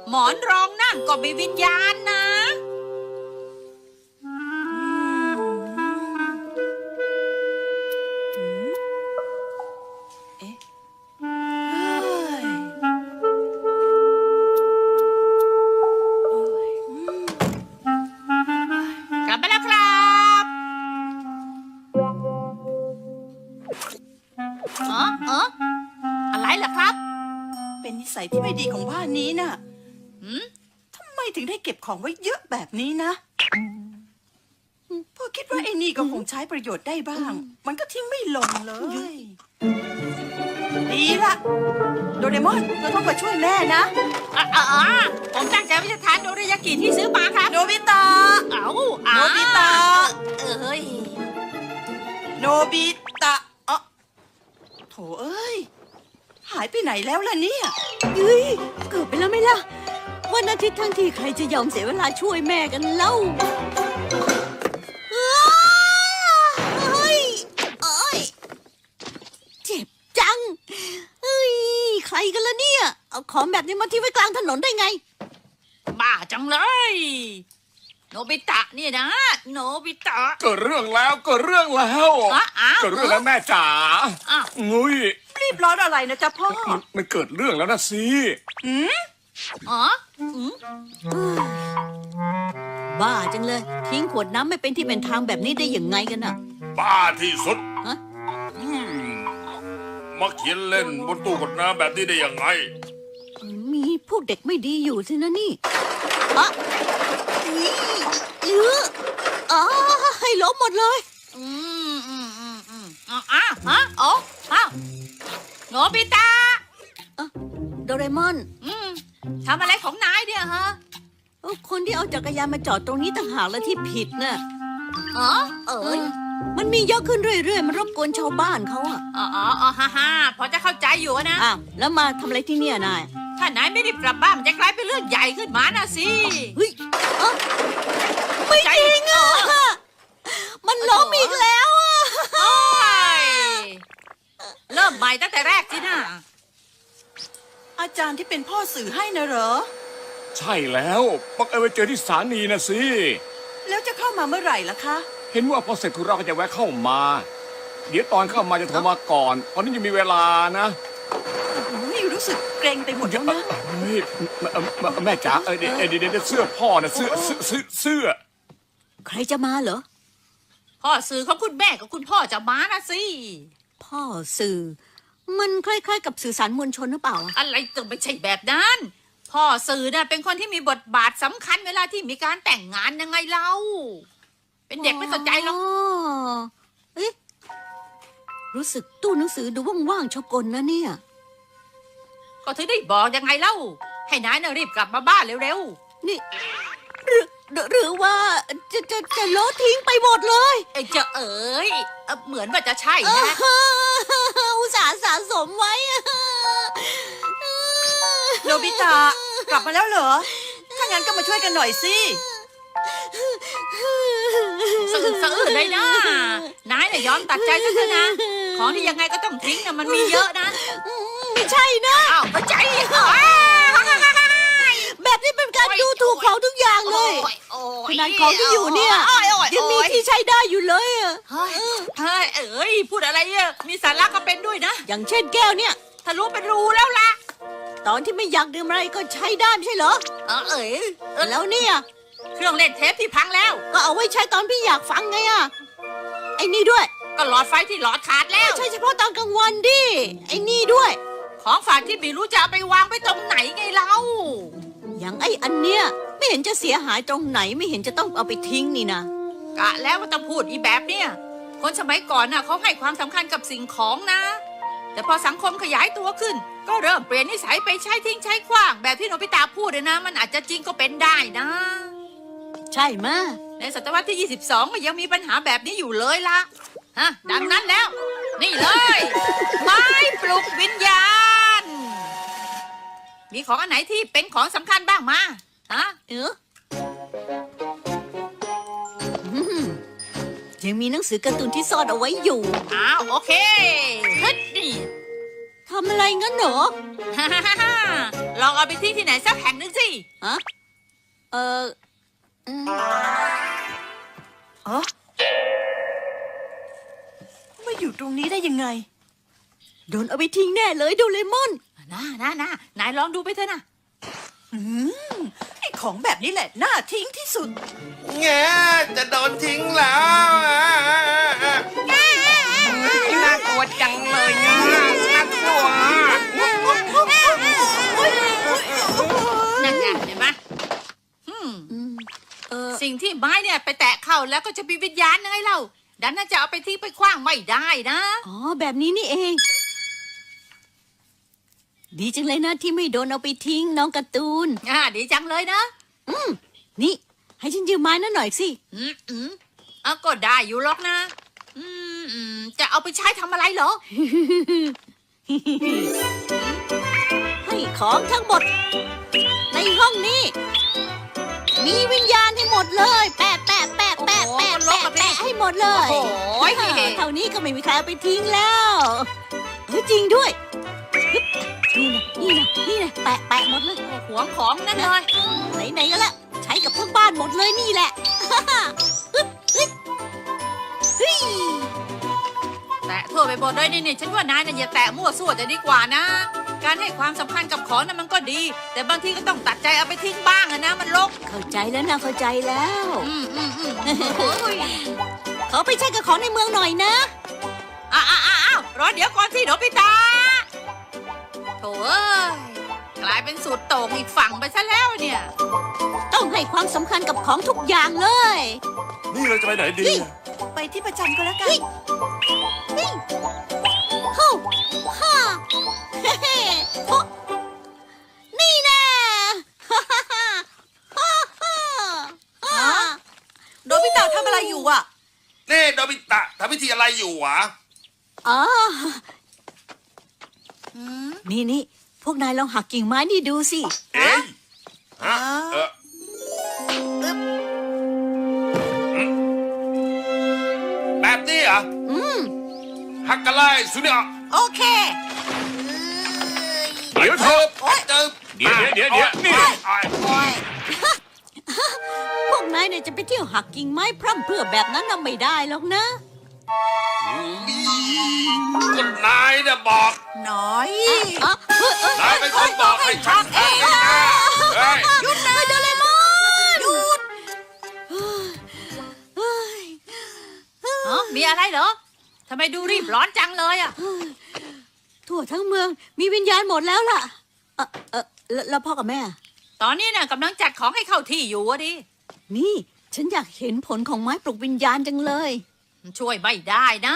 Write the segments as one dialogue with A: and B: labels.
A: หมอนรองนั่งก็มีวิญญาณนะกลับมาแล้วครับอะไรล่ะครับ
B: เป็นนิสัยที่ไม่ดีของบ้านนี้น่ะทำไมถึงได้เก็บของไว้เยอะแบบนี้นะพ่อคิดว่าไอ้นี่ก็คงใช้ประโยชน์ได้บ้าง มันก็ทิ้งไม่ลงเลยดีละโดเรมอนเธอต้องมาช่วยแม่นะ
A: ผมตั้งใจว่าจะทานโดริยากิที่ซื้อมาครับ
B: โนบิตะโนบิตะโนบิตะโถเอ้ยหายไปไหนแล้วล่ะเนี่ย
C: เฮ้ยเกิดไปแล้วไหมล่ะวันอาทิตย์ทั้งทีใครจะยอมเสียเวลาช่วยแม่กันเล่าเฮ้ยเจ็บจังเฮ้ยใครกันล่ะเนี่ยเอาของแบบนี้มาทิ้งไว้กลางถนนได้ไง
A: บ้าจังเลยโนบิตะเนี่ยนะโนบิตะ
D: เกิดเรื่องแล้วเกิดเรื่องแล้วเกิดเรื่องแล้วแม่จ๋างุ้ย
B: รีบร้อนอะไรนะจ๊ะพ่อ
D: มันเกิดเรื่องแล้วนะสิ
C: บ้าจังเลยทิ้งขวดน้ำไม่เป็นที่เป็นทางแบบนี้ได้ยังไงกันน่ะ
D: บ้าที่สุดมาเขียนเล่นบนตู้กดน้ำแบบนี้ได้ยังไง
C: มีพวกเด็กไม่ดีอยู่สินะนี่ให้ล้มหมดเลย
A: โนบิตะ
C: โดเรมอน
A: ทำอะไรของนายเนี่ยฮะ
C: คนที่เอาจักรยานมาจอดตรงนี้ต่างหากแล้วที่ผิดน่ะมันมีเยอะขึ้นเรื่อยๆมันรบกวนชาวบ้านเขา
A: ฮ่าพอจะเข้าใจอยู่นะ
C: แล้วมาทำอะไรที่เนี่ยนาย
A: ถ้านายไม่ได้กลับบ้านมันจะกลายเป็นเรื่องใหญ่ขึ้นมานะสิ
C: เฮ้ยไม่จริงมันล้มอีกแล้ว
A: เริ่มใหม่ตั้งแต่แรกสินะ
B: อาจารย์ที่เป็นพ่อสื่อให้นะเหรอ
D: ใช่แล้วบังเอิญไปเจอที่สถานีนะสิ
B: แล้วจะเข้ามาเมื่อไหร่ล่ะคะ
D: เห็นว่าพอเสร็จธุระก็จะแวะเข้ามาเดี๋ยวตอนเข้ามาจะโทรมาก่อนตอนนี้ยังมีเวลานะ
B: นี่รู้สึกเกรงไปหมดแล้วนะ
D: แม่จ๋าเดี๋ยวเสื้อพ่อนะเสื้อ
C: ใครจะมาเหรอ
A: พ่อสื่อของคุณแม่กับคุณพ่อจะมานะสิ
C: พ่อสื่อมันคล้ายๆกับสื่อสารมวลชนหรือเปล่า
A: อะไรจะไม่ใช่แบบนั้นพ่อสื่อน่ะเป็นคนที่มีบทบาทสำคัญเวลาที่มีการแต่งงานยังไงเล่าเป็นเด็กไม่สนใจหรอก
C: รู้สึกตู้หนังสือดูว่างๆชอบกลนะเนี่ย
A: ก็ถึงได้บอกยังไงเล่าให้นายน่ะรีบกลับมาบ้านเร็ว
C: ๆนี่หรือว่าจะโลดทิ้งไปหมดเลย
A: จะเหมือนว่าจะใช่นะ
C: อุตส่าห์สะสมไว้
B: โนบิตะกลับมาแล้วเหรอถ้างั้นก็มาช่วยกันหน่อยสิ
A: สะอื้นเลยนะนายน่ะยอมตัดใจซะเถอะนะของที่ยังไงก็ต้องทิ้งนะมันมีเยอะนะ
C: ไม่ใช่นะ
A: ไม่ใช่
C: แบบนี้เป็นการดูถูกของทุกอย่างเลยขนาดของที่อยู่เนี่ยยังมีที่ใช้ได้อยู่เลย
A: พูดอะไรมีสาระก็เป็นด้วยนะ
C: อย่างเช่นแก้วเนี่ย
A: ทะลุเป็นรูแล้วล่ะ
C: ตอนที่ไม่อยากดื่มอะไรก็ใช้ได้ไม่ใช่เหรอแล้วเนี่ย
A: เครื่องเล่นเทปที่พังแล้ว
C: ก็เอาไว้ใช้ตอนพี่อยากฟังไงไอ้นี่ด้วย
A: ก็หลอดไฟที่หลอดขาดแล้ว
C: ใช่เฉพาะตอนกลางวันดิไอ้นี่ด้วย
A: ของฝากที่ไม่รู้จะเอาไปวางไปตรงไหนไงเล่า
C: อย่างไอ้อันเนี้ยไม่เห็นจะเสียหายตรงไหนไม่เห็นจะต้องเอาไปทิ้งนี่นะ
A: กะแล้วว่าต้องพูดอีแบบเนี้ยคนสมัยก่อนน่ะเขาให้ความสำคัญกับสิ่งของนะแต่พอสังคมขยายตัวขึ้นก็เริ่มเปลี่ยนนิสัยไปใช้ทิ้งใช้ขว้างแบบที่โนบิตะพูดเลยนะมันอาจจะจริงก็เป็นได้นะ
C: ใช่มะ
A: ในศตวรรษที่22ก็ยังมีปัญหาแบบนี้อยู่เลยล่ะดังนั้นแล้วนี่เลยไม้ปลุกวิญญาณมีของอันไหนที่เป็นของสำคัญบ้างมา
C: ยังมีหนังสือการ์ตูนที่ซ่อนเอาไว้อยู่
A: โอเคนี่
C: ทำอะไรงั้นเหรอ
A: ฮ่าฮ่าฮ่าฮ่าลองเอาไปทิ้งที่ไหนสักแห่งหนึ่งสิ
C: ฮะ อืม
B: อ๋อมาอยู่ตรงนี้ได้ยังไง
C: โดนเอาไปทิ้งแน่เลยโดเรมอน
A: นายลองดูไปเถอะนะ
B: ไอ้ของแบบนี้แหละน่าทิ้งที่สุด
E: แงจะโดนทิ้งแล้ว
D: น่ากลัวจังเลยนะน่ากลัว
A: นั่นไงเห็นไหมสิ่งที่ไม้เนี่ยไปแตะเข้าแล้วก็จะมีวิญญาณยังไงเล่า ดันน่าจะเอาไปทิ้งไปขว้างไม่ได้นะ
C: อ๋อ แบบนี้นี่เอง ดีจังเลยนะที่ไม่โดนเอาไปทิ้งน้องการ์ตูน
A: ดีจังเลยนะ
C: นี่ ให้ฉันยืมไม้นั่นหน่อยสิ
A: ก็ได้อยู่หรอกนะ จะเอาไปใช้ทำอะไรเหรอ
C: ให้ของทั้งหมด ในห้องนี้ มีวิญญาณให้หมดเลย แปะแปะแปะแปะแปะแปะแปะให้หมดเลย
A: โอ้ย
C: เท่านี้ก็ไม่มีใครเอาไปทิ้งแล้วเฮ้ยจริงด้วยฮึบนี่นะแปะแปะหมดเลย
A: หวงของนั่นเลย
C: ไหนๆก็แล้วใช้กับทั้งบ้านหมดเลยนี่แหละฮึบฮึบเฮ้ย
A: แตะทั่วไปหมดเลยนี่ฉันว่านายน่ะอย่าแตะมั่วซั่วจะดีกว่านะ การให้ความสำคัญกับของนั้นมันก็ดี แต่บางทีก็ต้องตัดใจเอาไปทิ้งบ้างอะนะมันรก
C: เข้าใจแล้วนะเข้าใจแล้ว
A: โอ้ย
C: ขอไปใช้กับของในเมืองหน่อยนะ
A: อ้าวรอเดี๋ยวก่อนสิโนบิตะโถ่เอ้ยกลายเป็นสูตรโต่งอีกฝั่งไปซะแล้วเนี่ย
C: ต้องให้ความสำคัญกับของทุกอย่างเลย
E: นี่เราจะไปไหนดี
B: ไปที่ประจันก็แล้วกัน
C: ฮู้ฮ่าเฮ้เฮ้โอ๊ะนี่แน่ฮ่าฮ่าฮ่าฮ่าฮ่า
B: โนบิตะทำอะไรอยู่อ่ะ
E: นี่โดบิตะทำพิธีอะไรอยู่หวะ
C: อ๋อนี่พวกนายลองหักกิ่งไม้นี่ดูสิ
E: เอ้ยฮะเออแบบนี้เหรอฮักกะไลสุดยอด
B: โอเค
D: เดี๋ยวเถอะ
E: เจอ
D: เดี๋ยวนี่
C: พวกนายเนี่ยจะไปเที่ยวหักกิ่งไม้พร่ำเพรื่อแบบนั้นน่ะไม่ได้หรอกนะ
E: ก็นายน่ะบอก
B: น้อย
C: อ๋อเฮ้ย
E: นายเป็นคนบอกให้ฉันทำนี่นะเฮ้ย
C: หยุดนะโดเรมอนหยุด
A: มีอะไรเหรอทำไมดูรีบร้อนจังเลยอ่ะ
C: ทั่วทั้งเมืองมีวิญญาณหมดแล้วล่ะแล้วพ่อกับแม่
A: ตอนนี้น่ะกำลังจัดของให้เข้าที่อยู่อะดิ
C: นี่ ฉันอยากเห็นผลของไม้ปลุกวิญญาณจังเลย
A: ช่วยไม่ได้นะ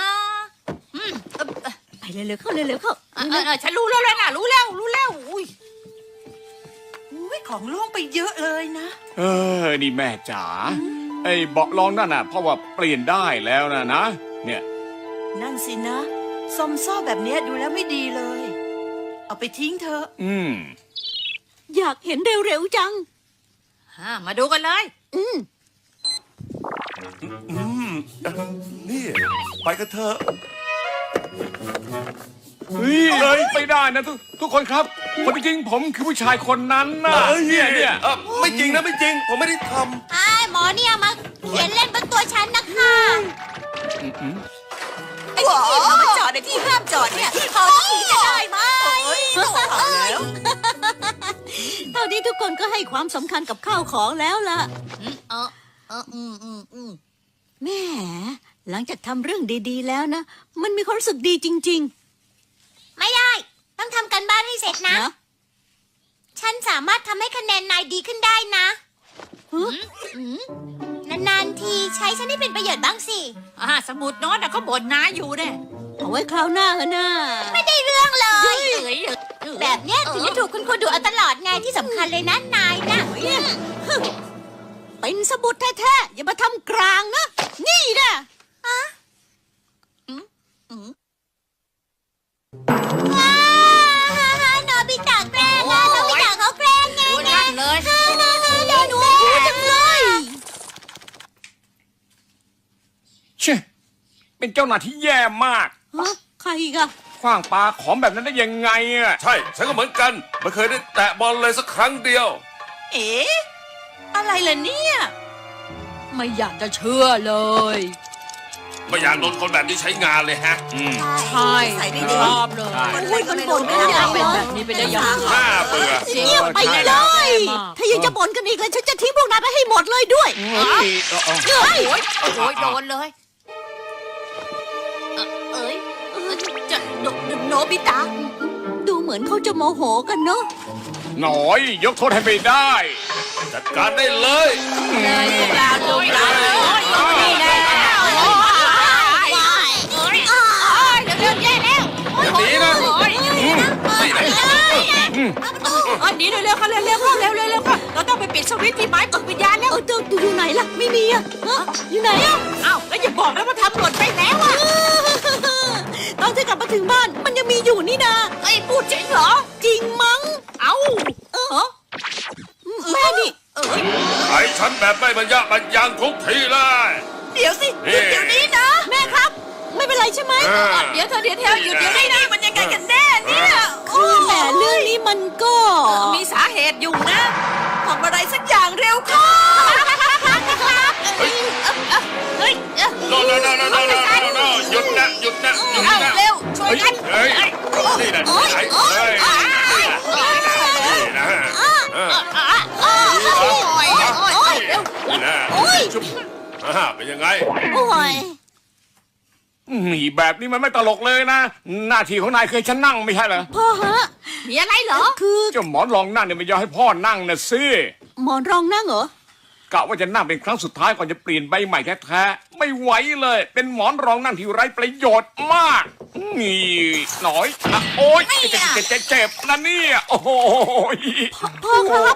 C: ไปเร็วๆเข้าเร็วๆเข้า
A: ฉันรู้แล้วนะรู้แล้วอุ้ย
B: อุ้ยของโล่งไปเยอะเลยนะ
D: นี่แม่จ๋าไอ้เบาะรองนั่นน่ะเพราะว่าเปลี่ยนได้แล้วนะเนี่ย
B: นั่นสินะซอมซ่อแบบเนี้ยดูแล้วไม่ดีเลย เอาไปทิ้งเถอะ
C: อยากเห็นเร็วๆจัง
A: มาดูกันเลย
E: นี่ไปกันเถอะ
D: เฮ้ยเลยไปได้นะทุกคนครับคนจริงๆผมคือผู้ชายคนนั้นนะเนี่ย
E: ไม่จริงนะไม่จริง ผมไม่ได้ท
C: ไอ้หมอเนี่ยมาเขียนเล่นบนตัวฉันนะคะ
B: ไอ้ที่เรามาจอดในที่ห้ามจอดเนี่ยพอที่จะได้ไหมต้องเอาแล้ว
C: เท่านี้ทุกคนก็ให้ความสำคัญกับข้าวของแล้วล่ะแม่หลังจากทำเรื่องดีๆแล้วนะ มันมีความรู้สึกดีจริง
F: ไม่ได้ ต้องทำกันบ้านให้เสร็จ
C: ๆ
F: นะ
C: นะ
F: ฉันสามารถทำให้คะแนนนายดีขึ้นได้นะ นานๆทีใช้ฉันให้เป็นประโยชน์บ้างสิ
A: สมุดโน้ตเขาบ่นน้าอยู่เนี่ย
C: เอาไว้คราวหน้าเถอะนะ
F: ไม่ได้เรื่องเลย
A: แบ
F: แบบ บเนี้ยถึงจะถูกคุณครูดูเอาตลอดไงที่สำคัญเลยนะนายนะ
C: เป็นสมุดแท้ๆอย่ามาทำกลางนะ นี่นะ
F: ว้าวโนบิตะแกล้งอะโนบิตะเขาแกล้งไง
A: นั่นเลย
F: เดี๋ยวหนูจังเลย
D: เช่เป็นเจ้าหน้าที่แย่มาก
C: ฮะใครอีกอะ
D: คขว้างปลาของแบบนั้นได้ยังไงอ่ะ
E: ใช่ ฉันก็เหมือนกัน ไม่เคยได้แตะบอลเลยสักครั้งเดียว
B: เอ๊ะอะไรล่ะเนี่ย
A: ไม่อยากจะเชื่อเลย
E: ไม่อยากโดนคนแบบนี้ใช้งานเลยฮะ
A: ใช่
B: ใส่ได้ดี
A: ชอบเลย
C: อุ้ยคนบ่นไม่ได้
A: เป็น
C: เล
A: แบ
C: ย
A: บนี้ไปได้ยังไง
E: น่าเบื่อ
C: เงียบไปเลย ถ้ายังจะบ่นกันอีกเลยฉันจะทิ้งพวกนายไปให้หมดเลยด้วย
D: เฮ้ยเออ
C: เฮ้ย
A: โอ้ยโดนเลยเอ้ยจะโนบิตะ
C: ดูเหมือนเขาจะโมโหกันเนอะ
D: หน่อยยกโทษให้ไม่ได้
E: จัดการได้เลย
A: เลยพวกเราลูกหลานนี่แน่เดี๋ยวแย่แล้ว
E: อย่าหนีนะ นี่แหละ
A: หนีเร็วๆค่ะเร็วๆค่ะเร็วๆค่ะเราต้องไปปิดสวิตช์ที่ไม้ปลุกวิญญาณแล้ว
C: อยู่ไหนล่ะ ไม่มีอะฮะอยู่ไหนอะ
A: อ้าวแล้วอย่าบอกนะว่าทำหล่นไปแล้วอ่ะ
C: ตอนที่กลับมาถึงบ้านมันยังมีอยู่นี่นา
A: ไอ้พูดจริงเหรอ
C: จริงมั้ง
A: เอ้า
C: แม่นี่
E: ไอ้ฉันแบบไม่บรรยะบรรยังทุกทีเลย
B: เดี๋ยวสิหยุดเดี๋ยวนี้นะ
C: แม่ครับ ไม่เป็นไรใช่ไหม
A: เดี๋ยวเธอหยุดเดี๋ยวนี้นะ
B: มันยังไงกันแน่เนี่ย
C: คือแต่เรื่องนี้มันก็
A: มีสาเหตุอยู่นะ
B: ทำอะไรสักอย่างเร็วเข้า
E: เฮ้ย
A: เฮ้ย
E: โนหยุดนะหยุดนะหยุดนะ
A: เร็วช่วยกัน
E: เฮ้ยนี่นะไอ้เฮ้ยนี่นะนี่นะชุบเป็นยังไง
C: โอ้ย
D: นี่แบบนี้มันไม่ตลกเลยนะ หน้าที่ของนายเคยฉันนั่งไม่ใช่เหรอ
C: พ่อฮะ
A: มีอะไรเหรอ
C: คือ
D: เจ้าหมอนรองนั่งเนี่ยไม่ยอมให้พ่อนั่งนะสิ
C: หมอนรองนั่งเหรอ
D: กะว่าจะนั่งเป็นครั้งสุดท้ายก่อนจะเปลี่ยนใบใหม่แท้ๆไม่ไหวเลย เป็นหมอนรองนั่งที่ไร้ประโยชน์มากนี่หน่อยนะโอ๊ยเจ็บนะเนี่ยโอ้โห
C: พ่อครับ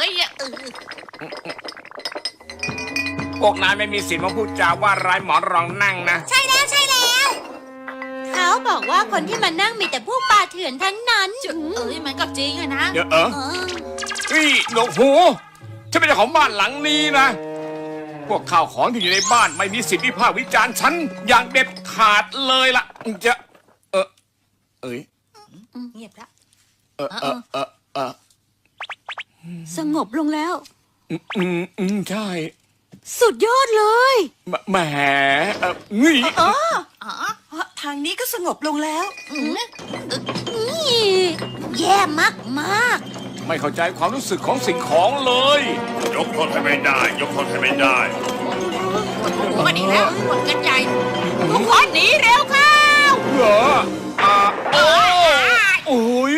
D: พวกนายไม่มีสิทธิ์มาพูดจาว่าร้ายหมอนรองนั่งนะ
F: ใช่แล้วใช่แล้ว
C: เขาบอกว่าคนที่มานั่งมีแต่พวกป่าเถื่อนทั้งนั้น
A: มันก็จริงอะนะ
D: เดี๋ยวนี่หนวกหูฉันเป็นเจ้าของบ้านหลังนี้นะ พวกข้าวของที่อยู่ในบ้านไม่มีสิทธิ์วิพากษ์วิจารณ์ฉันอย่างเด็ดขาดเลยล่ะจะเอ้ย
A: เงียบแล้ว
C: สงบลงแล้ว
D: ใช่
C: สุดยอดเลย
D: แหมนี่
B: ทางนี้ก็สงบลงแล้ว
C: แย่มากมาก
D: ไม่เข้าใจความรู้สึกของสิ่งของเลย
E: ยกโทษให้ไม่ได้ ยกโทษให้ไม่ได้
A: มาดีแล้วหมดกันใหญ่ทุกคนหนีเร็วเข้า
D: เหรอโอ้ย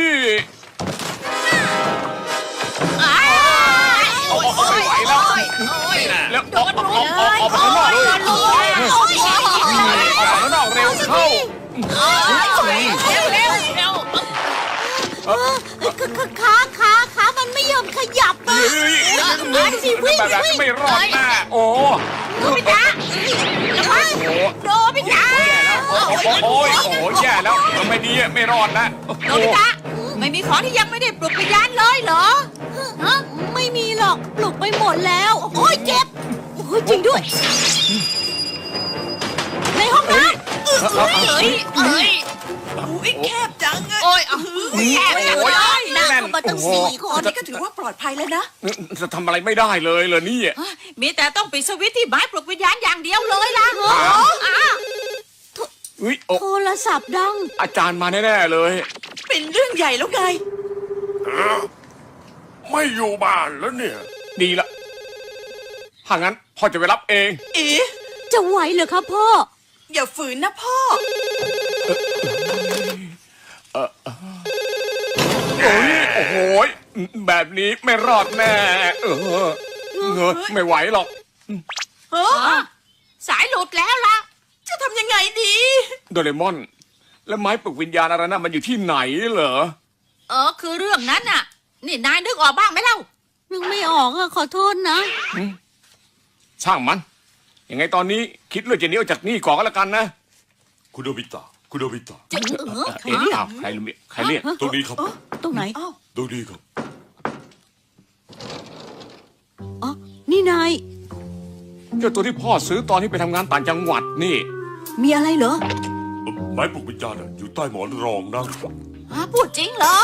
D: ไม่ไหวแล้วแล้วออกไปข้างนอกเลยออกไปข้างนอกเร็วเข้า
A: เร็ว
C: ขามันไม่ยอมขยับอ่ะ
D: แบบนั้นไม่รอดแน่โอ้
A: โนบิตะโนบิตะ
D: โอ้แย่แล้วไม่ดีไม่รอดนะ
A: โนบิตะไม่มีของที่ยังไม่ได้ปลุกวิญญาณเลยเหรอ
C: ไม่มีหรอกปลุกไปหมดแล้ว โอ้ยเจ็บ โอ้ยจริงด้วย ในห้องน้ำ
B: อุ้ยแคบจังอะ
A: โอ้ยแย่เลย
C: นั่งเข้ามาตั้ง4 ค
B: ตอน นนี้ก็ถือว่าปลอดภัยแล้วนะ
D: จะทำอะไรไม่ได้เลยเหรอนี่
A: มีแต่ต้องปิดสวิตช์ที่ไม้ปลุกวิญญาณอย่างเดียวเลยล่ะ
D: อุ้ย
C: โทรศัพท์ดัง
D: อาจารย์มาแน่ๆเลย
B: เป็นเรื่องใหญ่แล้วไง
E: ไม่อยู่บ้านแล้วเนี่ย
D: ดีละถ้างั้นพ่อจะไปรับเอง
B: เอ๊ะ
C: จะไหวเหรอครับพ่อ
B: อย่าฝืนนะพ่อ
D: โอ้โหแบบนี้ไม่รอดแน่ไม่ไหวหรอก
A: สายหลุดแล้วล่ะ
B: จะทำยังไงดี
D: โดเรมอน แล้วไม้ปลุกวิญญาณอะไรนะมันอยู่ที่ไหนเหรอ
A: คือเรื่องนั้นน่ะ นี่นายนึกออกบ้างไหมเล่า
C: นึกไม่ออกอะขอโทษนะ
D: ช่างมัน ยังไงตอนนี้คิดเรื่องจะหนีออกจากนี่ก่อนก็แล้วกันนะ
E: คุณโดบิตะ คุณโดบิตะ
A: จะ
D: เอ็นอ้าวใครเรียก
E: ตรงนี้ครับ
C: ตรงไหน
E: ตรงนี้ครับ
C: อ๋อ นี่นาย
D: เจ้าตัวที่พ่อซื้อตอนที่ไปทำงานต่างจังหวัดนี่
C: มีอะไรเหรอ
E: ไม้ปลุกวิญญาณอยู่ใต้หมอนรองนะ
A: พูดจริงเหรอ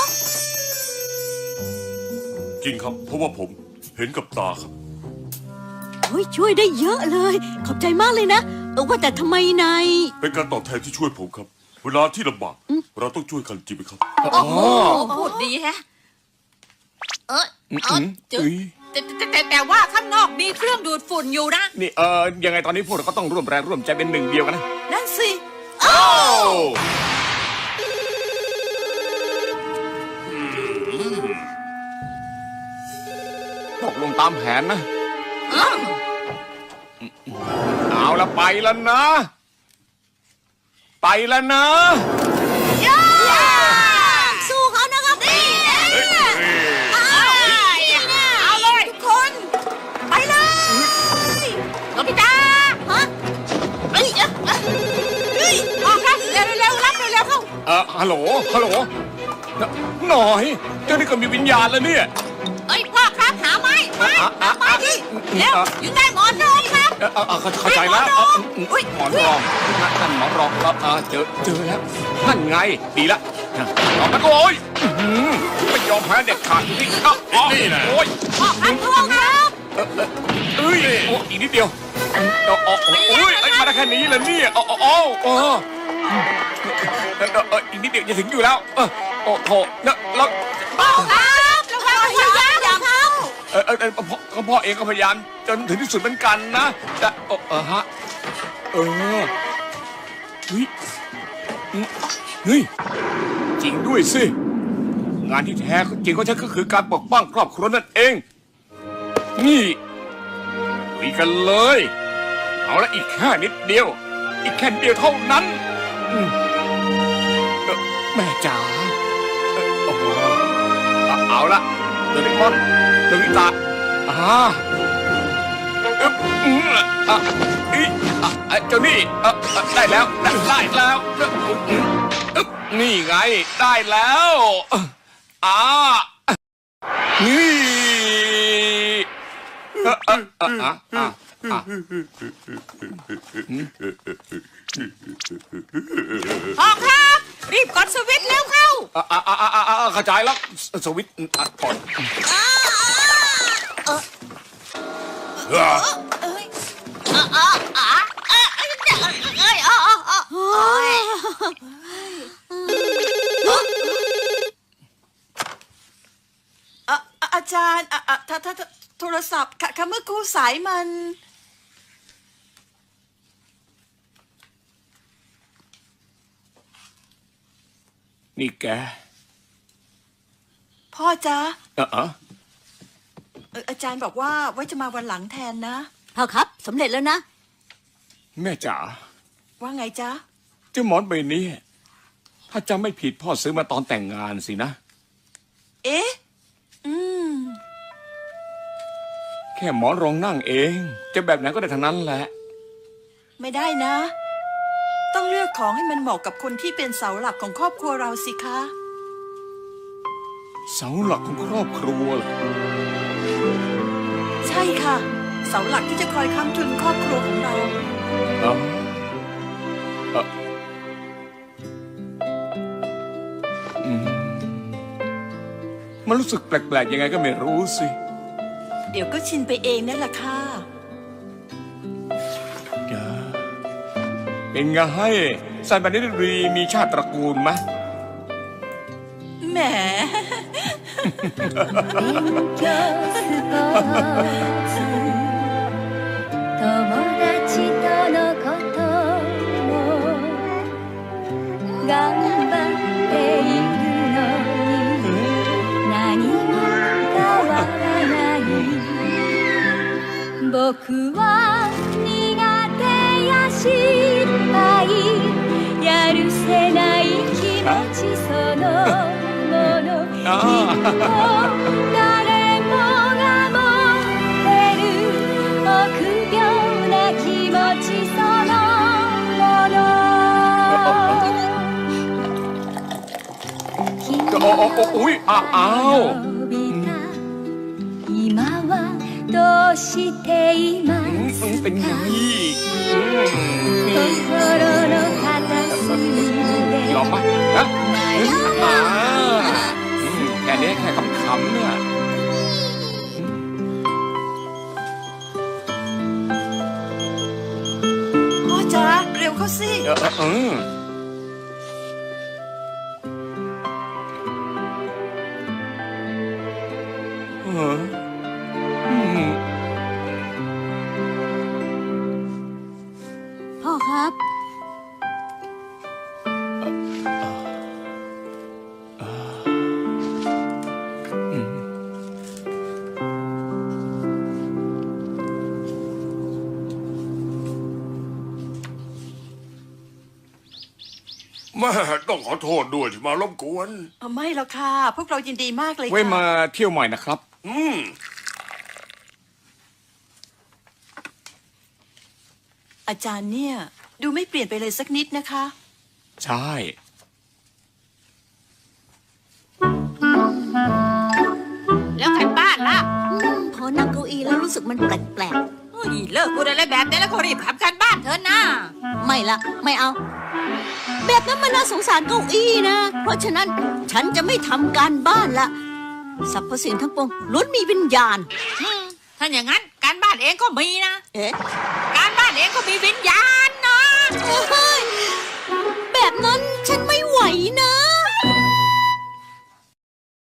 E: จริงครับ เพราะว่าผมเห็นกับตาครับ
C: ช่วยได้เยอะเลย ขอบใจมากเลยนะว่าแต่ทำไมนาย
E: เป็นการตอบแทนที่ช่วยผมครับ เวลาที่ลำบากเราต้องช่วยกันจริงไหมครับ
A: โอ้โหพูดดีแฮะแต่ว่าข้างนอกมีเครื่องดูดฝุ่นอยู่นะ
D: นี่ยังไงตอนนี้พวกเราก็ต้องร่วมแรงร่วมใจเป็นหนึ่งเดียวกันนะ
B: นั่นสิ
D: ตกลงตามแผนนะ เอาละไปแล้วนะ ไปแล้วนะ
C: สู้เขานะครับนี่
A: เอาเลยทุกคน ไปเลยโนบิตะฮะเฮ้ยออกครับเร็วๆรับเร็วๆเข้า
D: ฮัลโหลหน่อยเจ้านี่ก็มีวิญญาณแล้วเนี่ย
A: เอ้ยพ่อครับหาไม้ดิเร็วอยู่ใต้หมอนรองครับ
D: เข้าใจแล้วหมอนรองนั่นหมอนรองครับเจอแล้วนั่นไงดีละเอาไปโอ้ยไม่ยอมแพ้เด็ดขาดที่นี่นะโอ้ย
A: พ่อครับพ่อครับ
D: อีกนิดเดียวมาได้แค่นี้แล้วเนี่ยอีกนิดเดียวจะถึงอยู่แล้วโอ้โหแล้ว
A: พ่อครับระวังอย่าครับ
D: พ่อเองก็พยายามจนถึงที่สุดเหมือนกันนะแต่เฮ้ยจริงด้วยสิงานที่แท้จริงของฉันก็คือการปกป้องครอบครัวนั่นเองนี่คุยกันเลยเอาละอีกแค่นิดเดียวอีกแค่นิดเดียวเท่านั้นแม่จ๋าเอาละโดเรมอนโนบิตะเจ้านี่ได้แล้วนี่ไงได้แล้วนี่
A: พ่อครับรีบกดสวิตช์เร็วเข้า
D: เข้าใจแล้วสวิตช์ก่อน
B: อาจารย์ถ้าโทรศัพท์ค่ะเมื่อกู้สายมัน
D: นี่แก
B: พ่อจ๊ะอาจารย์บอกว่าไว้จะมาวันหลังแทนนะ
C: พ่อครับสำเร็จแล้วนะ
D: แม่จ๋า
B: ว่าไงจ๊ะ
D: เจ้าหมอนใบนี้ถ้าจำไม่ผิดพ่อซื้อมาตอนแต่งงานสินะ
B: เอ๊ะ
D: แค่หมอนรองนั่งเองจะแบบไหนก็ได้ทั้งนั้นแหละ
B: ไม่ได้นะ ต้องเลือกของให้มันเหมาะกับคนที่เป็นเสาหลักของครอบครัวเราสิคะ
D: เสาหลักของครอบครัวเหรอ
B: ใช่ค่ะ เสาหลักที่จะคอยค้ำจุนครอบครัวของเรา
D: มันรู้สึกแปลกๆยังไงก็ไม่รู้สิ
B: เดี๋ยวก็ชินไปเองนั่นแหละค่ะ
D: เป็นไงสายบันนี้ดีมีชาติตระกูลไหม
B: แหม
F: 友達とのことも頑張っているのに何も変わらない僕は苦手や失敗やるせない気持ちそのものきっと誰もが持ってる臆病な気持ちそのもの
D: อุ้ยอ้าว
F: 今はどうしていま
D: เป็นไง
F: 心の片隅
D: ยอม
F: で
D: ปะฮะแค่นี้แค่คำๆเนี่ย
B: พ่อจ๋าเร็วเข้าสิ
C: พ่อครับ
E: แม่ต้องขอโทษด้วยที่มารบกวน
B: ไม่หรอกค่ะ พวกเรายินดีมากเลย
D: ไว้
B: ค่ะ
D: มาเที่ยวใหม่นะครับ
B: อาจารย์เนี่ย ดูไม่เปลี่ยนไปเลยสักนิดนะคะ
D: ใช่
A: แล้วกันบ้านล่ะ
C: พอนั่งเก้าอี้แล้วรู้สึกมันแปลก
A: เฮ้ยเลิกพูดอะไรแบบนี้แล้วก็รีบทำการบ้านเถอะนะ
C: ๆ ไม่ละไม่เอา แบบนั้นมันน่าสงสารเก้าอี้นะ เพราะฉะนั้นฉันจะไม่ทำการบ้านละสรรพสิ่งทั้งปวงล้วนมีวิญญาณ
A: ถ้าอย่างนั้นการบ้านเองก็มีนะ
C: เอ๊ะ